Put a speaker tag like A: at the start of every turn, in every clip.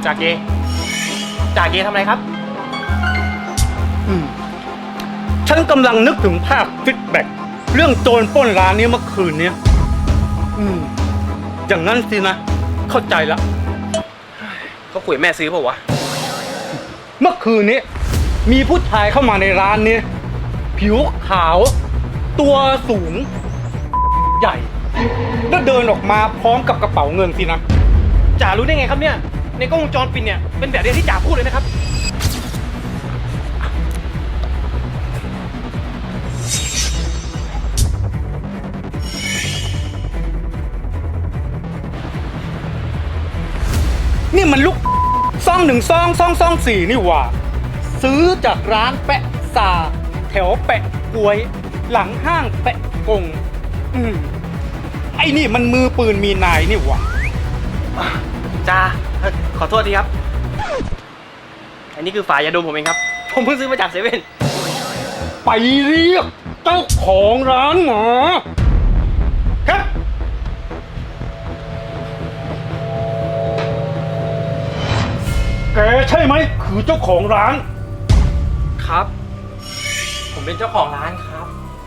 A: จ่าเกทำอะไรครับ
B: ฉันกำลังนึกถึงภาพฟีดแบ็กเรื่องโจรปล้นร้านนี้เมื่อคืนนี้อย่างนั้นสินะ เข้าใจละ
A: เขาคุยแม่ซื้อเปล่าวะ
B: เมื่อคืนนี้ มีผู้ชายเข้ามาในร้านนี้ ผิวขาว ตัวสูง ใหญ่ แล้วเดินออกมาพร้อมกับกระเป๋าเงินสินะ
A: จ่ารู้ได้ไงครับเนี่ย ในกล้องวงจรปิดเนี่ยเป็นแบบเดียวที่จ่าพูดเลยนะครับ
B: นี่มันลูก2122224นี่หว่า ซื้อจากร้านแปะซาแถวแปะกวย หลังห้างแปะกงไอ้นี่มันมือปืนมีนายนี่หว่า
A: จ่าขอโทษทีครับ อันนี้คือฝายาดมผมเองครับ ผมเพิ่งซื้อมาจากเซเว่น
B: ไปเรียกเจ้าของร้านหมอครับแกใช่ไหมคือเจ้าของร้าน
A: ครับ ผมเป็นเจ้าของร้านครับ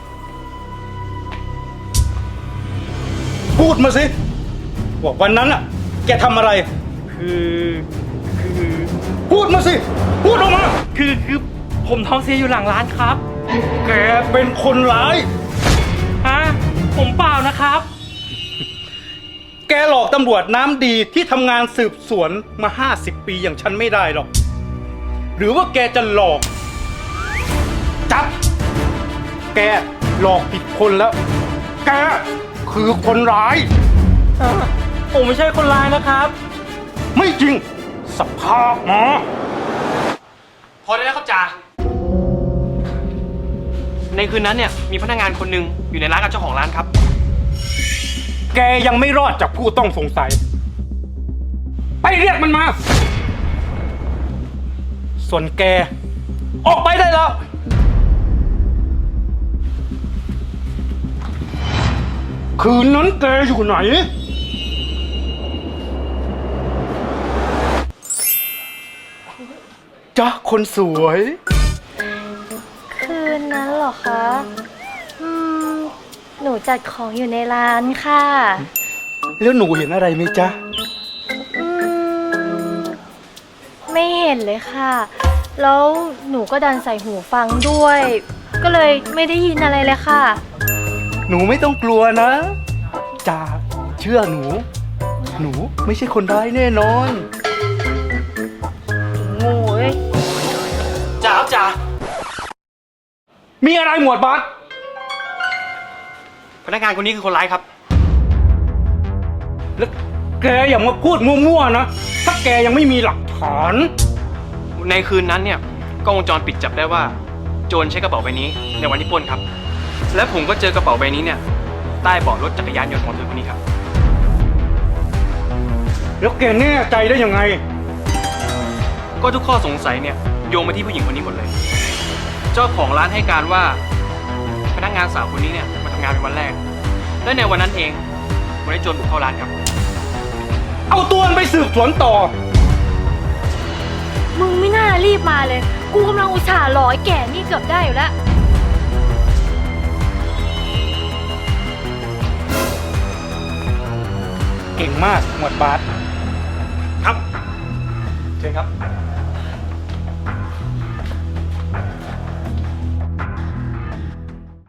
B: พูดมาสิว่าวันนั้นอ่ะ แกทำอะไร
A: คือ
B: พูดมาสิ พูดออกมา
A: คือผมท้องเสียอยู่หลังร้านครับ
B: แกเป็นคนร้าย
A: ฮะ ผมเปล่านะครับ
B: แกหลอกตำรวจน้ำดีที่ทำงานสืบสวนมา50 ปีอย่างฉันไม่ได้หรอก หรือว่าแกจะหลอก จับ แกหลอกผิดคนแล้ว แกคือคนร้าย
A: ผมไม่ใช่คนร้ายนะครับ
B: ไม่จริง สภาพมา
A: พอได้แล้วครับจ่า ในคืนนั้นเนี่ยมีพนักงานคนหนึ่งอยู่ในร้านกับเจ้าของร้านครับ
B: แกยังไม่รอดจากผู้ต้องสงสัย ไปเรียกมันมา ส่วนแก ออกไปได้แล้ว คืนนั้นแกอยู่ไหน จ๊ะคนสวย
C: คืนนั้นเหรอคะ หนูจัดของอยู่ในร้านค่ะ
B: แล้วหนูเห็นอะไรไหมจ๊ะ
C: ไม่เห็นเลยค่ะ แล้วหนูก็ดันใส่หูฟังด้วย ก็เลยไม่ได้ยินอะไรเลยค่ะ
B: หนูไม่ต้องกลัวนะจ่าเชื่อหนู หนูไม่ใช่คนร้ายแน่นอน
C: โง่เว้ย
A: จ่าครับจ่า
B: มีอะไรหมวดบัส
A: พนักงานคนนี้คือคนร้ายครับ
B: แล้วแกอย่ามาพูดมั่วๆนะ ถ้าแกยังไม่มีหลักฐาน
A: ในคืนนั้นเนี่ยกล้องวงจรปิดจับได้ว่าโจรใช้กระเป๋าใบนี้ในวันที่ปล้นครับ และผมก็เจอกระเป๋าใบนี้เนี่ยใต้เบาะรถจักรยานยนต์ของเธอคนนี้ครับ
B: แล้วแกแน่ใจได้ยังไง
A: ก็ทุกข้อสงสัยเนี่ยโยงมาที่ผู้หญิงคนนี้หมดเลย เจ้าของร้านให้การว่าพนักงานสาวคนนี้เนี่ยมาทำงานเป็นวันแรก และในวันนั้นเองวันที่โจรบุกเข้าร้านครับ
B: เอาตัวมันไปสืบสวนต่อ
C: มึงไม่น่ารีบมาเลย กูกำลังอุตส่าห์รอไอ้แก่นี่เกือบได้อยู่แล้ว
B: เก่งมากหมวดบัส
A: ครับเชิญครับ